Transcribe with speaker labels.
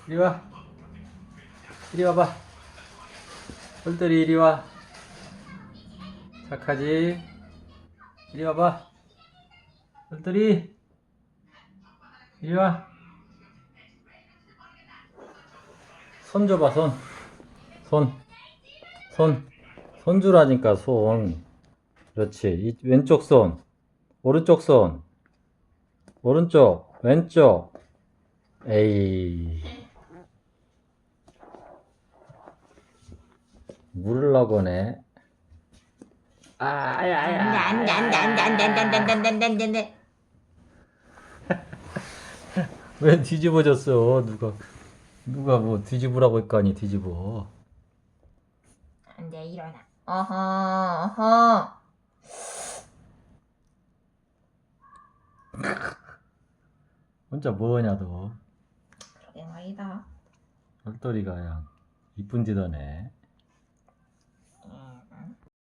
Speaker 1: 이리 와. 이리 와봐. 똘똘이 이리 와. 착하지? 이리 와봐. 똘똘이 이리 와. 손 줘봐, 손. 손. 손. 손 주라니까, 손. 그렇지. 이 왼쪽 손. 오른쪽 손. 오른쪽. 왼쪽. 에이. 물으려고 하네.
Speaker 2: 안돼.
Speaker 1: 왜 뒤집어졌어? 누가 뭐 뒤집으라고 했거니, 뒤집어.
Speaker 2: 안돼, 일어나. 어허.
Speaker 1: 혼자 뭐하냐, 너.
Speaker 2: 그러게 말이다.
Speaker 1: 똘똘이가 그냥 이쁜 짓 하네.